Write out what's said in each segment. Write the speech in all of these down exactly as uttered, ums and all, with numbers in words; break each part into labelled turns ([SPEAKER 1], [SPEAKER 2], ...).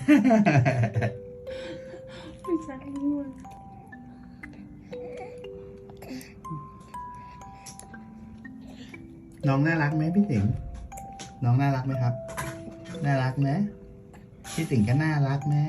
[SPEAKER 1] ไม่ใช่ง่วง
[SPEAKER 2] น้องน่ารักไหมพี่สิงห์น้องน่ารักไหมครับ น่ารักไหมพี่สิงห์ก็น่ารักนะ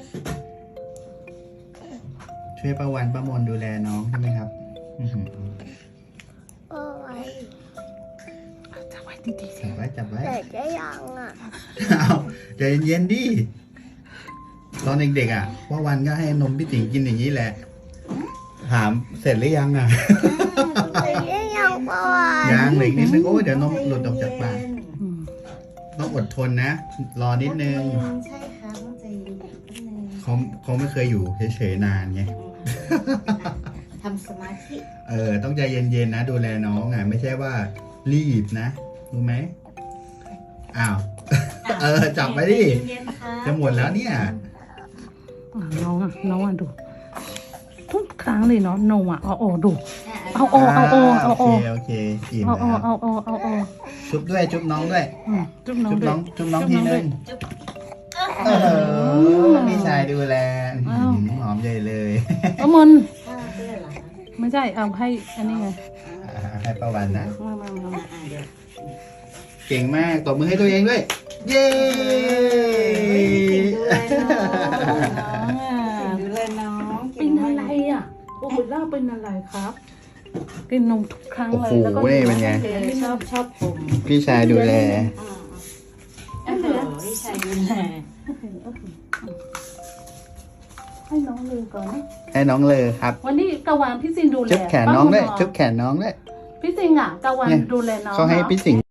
[SPEAKER 2] ช่วยประวันประมวลดูแลน้องใช่ไหมครับอื้อหือ
[SPEAKER 3] โอ้ย
[SPEAKER 1] จับไว้ดีๆสิ
[SPEAKER 2] จับไว้จับไว้
[SPEAKER 3] แต่จะยังอ่ะ
[SPEAKER 2] เอาใจเย็นๆดิตอนเด็กๆอ่ะว่าวันก็ให้นมพี่สิงห์กินอย่างนี้แหละ ถามเสร็จหรือยังอ่ะ
[SPEAKER 3] แต่จะยังเมื่อวาน
[SPEAKER 2] ยังเหลืออีกนิดนึงโอ้ยเดี๋ยวนมหลุดออกจากปาก
[SPEAKER 1] อืม
[SPEAKER 2] ต้องอดทนนะ รอนิดนึง
[SPEAKER 4] ใช่ค่ะต้องใจเย็นๆนิดนึง
[SPEAKER 2] เขาเขาไม่เคยอยู่เฉยๆนานไง
[SPEAKER 4] ทำสมาธิ
[SPEAKER 2] เออ ต้องใจเย็นๆนะ ดูแลน้องอ่ะ ไม่ใช่ว่ารีบนะรู้ไหมอ้าว เออ จับไว้ดิ
[SPEAKER 4] เย็นๆค่ะ
[SPEAKER 2] จะหมดแล้วเนี่ย
[SPEAKER 1] อ่ะน้องอ่ะน้องอ่ะดู ทุกครั้งเลยเนาะนมอ่ะเอาโอดู เอาโอเอาโอเอาโอ
[SPEAKER 2] โอเคโอเคอิ่ม
[SPEAKER 1] เอาโอ
[SPEAKER 2] แล้ว
[SPEAKER 1] เอาโอเอาโอ
[SPEAKER 2] ชุบด้วยชุบน้องด้วย
[SPEAKER 1] อืมจุ๊บน้อง
[SPEAKER 2] ชุบ
[SPEAKER 1] ด้ว
[SPEAKER 2] น้
[SPEAKER 1] ย
[SPEAKER 2] องชุบน้องที
[SPEAKER 1] จุ๊บน้อง
[SPEAKER 2] นึ
[SPEAKER 1] ด้วย
[SPEAKER 2] งเออพี่ชายดูแล
[SPEAKER 1] อ้าว
[SPEAKER 2] หืมหอมใหญ่เลย
[SPEAKER 1] เอามัน
[SPEAKER 4] ข้าวเพื่อนเหรอคะ
[SPEAKER 1] ไม่ใช่เอาให้อันนี้ไง
[SPEAKER 2] อ่าให้ประวันนะ
[SPEAKER 1] มามามา
[SPEAKER 4] อ่าอ่าเดี๋ยว
[SPEAKER 2] เก่งมากตบมือให้ตัวเองด้วย เย้
[SPEAKER 4] ดูแลน้อง
[SPEAKER 1] เป็นอะไรอ่ะโอ้โหเล่าเป็นอะไรครับ กินนมทุกครั้ง
[SPEAKER 2] โอ้
[SPEAKER 1] เล
[SPEAKER 2] โห
[SPEAKER 1] ยแล้วก็
[SPEAKER 2] นี่เป็นไง
[SPEAKER 4] ชอบชอบผม
[SPEAKER 2] พี่ชายดูแล
[SPEAKER 4] อ่าโอ้โหพี่ชายดูแล
[SPEAKER 1] ให้น้องเลยก่อนนะ
[SPEAKER 2] ให้น้องเลยครับ
[SPEAKER 1] วันนี้กะวานพี่ซินดูแล
[SPEAKER 2] จุ๊บแขนน้องด้วย
[SPEAKER 1] ป้า
[SPEAKER 2] จุ๊บแขนน้องด้วย
[SPEAKER 1] พี่ซิงอ่ะกะวาน
[SPEAKER 2] เนี่ย
[SPEAKER 1] ดูแลน้อง
[SPEAKER 2] เขาให้
[SPEAKER 1] เนาะ
[SPEAKER 2] พี่สิงห์